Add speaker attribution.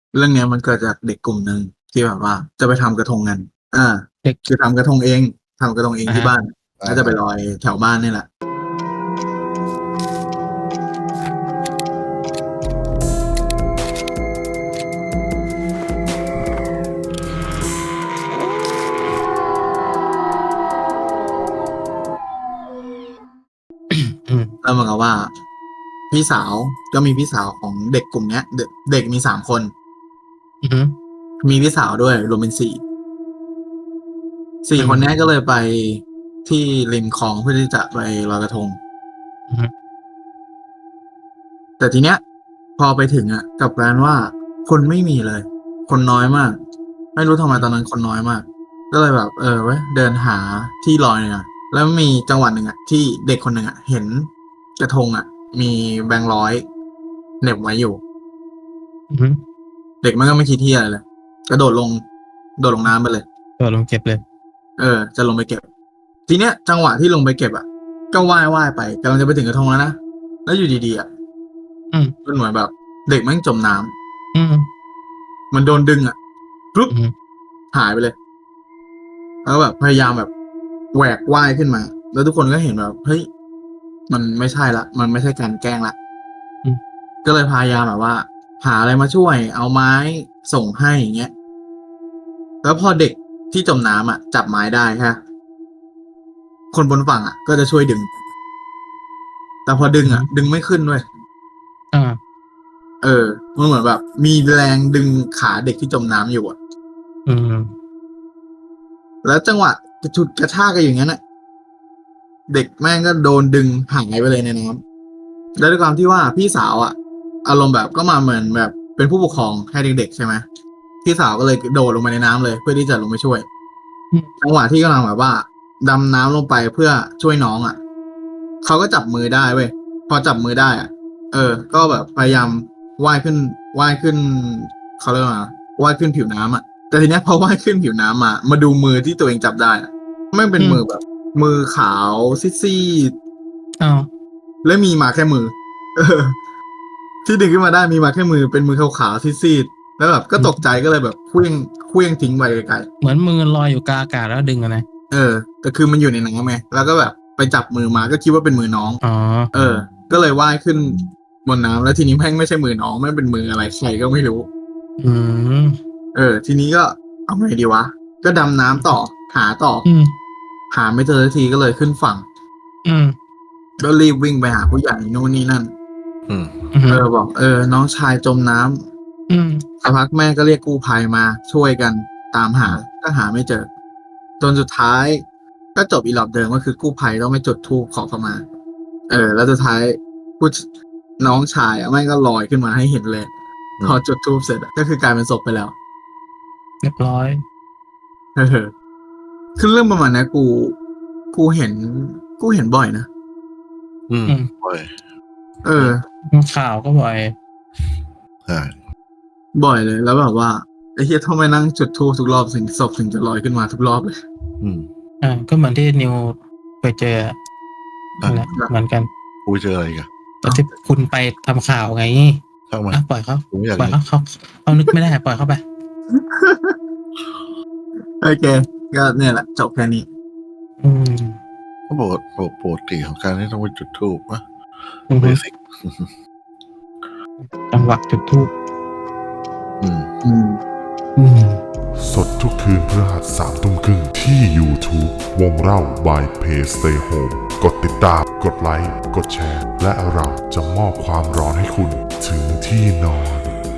Speaker 1: เรื่องเนี้ยมันเกิดจากเด็กกลุ่มหนึ่งที่แบบว่าจะไปทำกระทงกันอ่า
Speaker 2: เด็ก
Speaker 1: คือทำกระทงเองที่บ้าน
Speaker 3: อ่า
Speaker 1: แล้วจะไปลอยแถวบ้านนี่แหละ
Speaker 2: อืม
Speaker 1: แล้วเหมือนกับว่า พี่สาวก็มีพี่สาวของเด็กกลุ่มเนี้ย เด็กมี3 คน
Speaker 2: อืม
Speaker 1: มีพี่สาวด้วยรวมเป็น4
Speaker 2: อืม
Speaker 1: คนเนี้ยก็เลยไปที่ริมคลองเพื่อที่จะไปลอยกระทง
Speaker 2: อืม
Speaker 1: แต่ทีเนี้ย พอไปถึงอ่ะกลับกลารว่าคนไม่มีเลย คนน้อยมาก ไม่รู้ทำไมตอนนั้นคนน้อยมาก ก็เลยแบบเว้ยเดินหาที่ลอยเนี่ยแล้วมีจังหวะหนึ่งอ่ะที่เด็กคนหนึ่งอ่ะเห็นกระทงอ่ะ มีแบงค์ร้อยเหน็บไว้อยู่
Speaker 2: อืม
Speaker 1: เด็กมันก็ไม่คิดที่อะไรเลยกระโดดลงน้ำไปเลย
Speaker 2: ตัวลงเก็บเลย
Speaker 1: จะลงไปเก็บ ทีเนี้ยจังหวะที่ลงไปเก็บอ่ะ ก็ว่ายไปกำลังจะไปถึงกระทงแล้วนะแล้วอยู่ดีๆอ่ะ
Speaker 2: อืม
Speaker 1: มันเหมือนแบบ เด็กแม่งจมน้ำ
Speaker 2: อืม
Speaker 1: มันโดนดึงอ่ะปุ๊บ
Speaker 2: อืม
Speaker 1: หายไปเลย แล้วแบบพยายามแบบแหวกว่ายขึ้นมา แล้วทุกคนก็เห็นแบบเฮ้ยมันไม่ใช่ละมันไม่ใช่การแกล้งละ
Speaker 2: อืม
Speaker 1: ก็เลยพยายามแบบว่า หาอะไรมาช่วย เอาไม้ส่งให้อย่างเงี้ย แล้วพอเด็กที่จมน้ำอ่ะ จับไม้ได้ฮะคนบนฝั่งอ่ะ ก็จะช่วยดึง แต่พอดึงอ่ะ ดึงไม่ขึ้นด้วย
Speaker 2: อ่า
Speaker 1: มันเหมือนแบบ มีแรงดึงขาเด็กที่จมน้ำอยู่อ่ะ
Speaker 2: อืม
Speaker 1: แล้วจังหวะจะฉุดกระชากกันอย่างนั้นน่ะ เด็กแม่งก็โดนดึงหายไปเลยในน้ำแล้วด้วยความที่ว่าพี่สาวอ่ะ อารมณ์แบบก็มาเหมือนแบบเป็นผู้ปกครองให้เด็กๆใช่ไหมพี่สาวก็เลยโดดลงไปในน้ำเลยเพื่อที่จะลงไปช่วย
Speaker 2: อืม
Speaker 1: จังหวะที่กำลังแบบว่าดำน้ำลงไปเพื่อช่วยน้องอ่ะเขาก็จับมือได้เว้ยพอจับมือได้อ่ะ ก็แบบพยายามว่ายขึ้นเขาเรียกว่าไงว่ายขึ้นผิวน้ำอ่ะแต่ทีเนี้ยพอว่ายขึ้นผิวน้ำมาดูมือที่ตัวเองจับได้อ่ะไม่งเป็นมือแบบ มือขาวซีด
Speaker 2: อ้าว
Speaker 1: ๆและมีมาแค่มือ ที่ดึงขึ้นมาได้มีมาแค่มือเป็นมือขาวๆซีดๆแล้วแบบก็ตกใจก็เลยแบบเคว้งทิ้งไปไกล
Speaker 2: เหมือนมือลอยอยู่กลางอากาศแล้วดึงอะนะ
Speaker 1: ๆแต่คือมันอยู่ในน้ำไงแล้วก็แบบไปจับมือมาก็คิดว่าเป็นมือน้อง
Speaker 2: อ๋อ
Speaker 1: ก็เลยว่ายขึ้นบนน้ำแล้วทีนี้แม่งไม่ใช่มือน้องแม่งเป็นมืออะไรใครก็ไม่รู้
Speaker 2: อืม
Speaker 1: ทีนี้ก็เอาไงดีวะก็ดำน้ำต่อหาต่อ
Speaker 2: อืม
Speaker 1: หาไม่เจอสักทีก็เลยขึ้นฝั่ง
Speaker 2: อืม
Speaker 1: ก็รีบวิ่งไปหาผู้ใหญ่นู่นนี่นั่น
Speaker 3: อืม
Speaker 2: อืม
Speaker 1: บอกน้องชายจมน้ำ
Speaker 2: อืม
Speaker 1: สักพักแม่ก็เรียกกู้ภัยมาช่วยกันตามหาก็หาไม่เจอจนสุดท้ายก็จบอีหลอบเดิมก็คือกู้ภัยต้องไม่จุดธูปขอเข้ามา แล้วสุดท้ายผู้น้องชายแม่งก็ลอยขึ้นมาให้เห็นเลยพอจุดธูปเสร็จก็คือกลายเป็นศพไปแล้ว
Speaker 2: เรียบร้อย
Speaker 1: คือเรื่องประมาณนี้กูเห็นบ่อยนะ
Speaker 3: อืม
Speaker 2: อืม
Speaker 3: โอ้ย
Speaker 2: ข่าวก็บ่อย
Speaker 3: ใช่
Speaker 1: บ่อยเลยแล้วแบบว่าไอ้เฮียต้องไปนั่งจุดธูปทุกรอบถึงศพถึงจะลอยขึ้นมาทุกรอบเลย
Speaker 3: อืม
Speaker 2: ก็เหมือนที่นิวไปเจอนั่นแหละเหมือนกัน
Speaker 3: กูเจออะไรอีกัน
Speaker 2: ตอนที่คุณไปทำข่าวไง
Speaker 3: ช่างมัน
Speaker 2: ปล่อยเขา
Speaker 3: กูไม่อยาก
Speaker 2: ปล่อย
Speaker 3: เลย
Speaker 2: เขานึกไม่ได้ปล่อยเขาไป
Speaker 1: โอเคก็เนี่ยแหละจบแค่นี้
Speaker 2: อืม
Speaker 3: ก็ปกติของการที่ต้องไปจุดธูปนะ
Speaker 2: อืม
Speaker 3: เบสิก
Speaker 2: จังหวะจุดทูบ
Speaker 3: อืม
Speaker 2: อืม
Speaker 4: สดทุกคืนพฤหัส3 ทุ่มครึ่งที่ YouTube วงเล่า by Play Stay Home กดติดตาม กดไลค์ กดแชร์ และเราจะมอบความร้อนให้คุณถึงที่นอน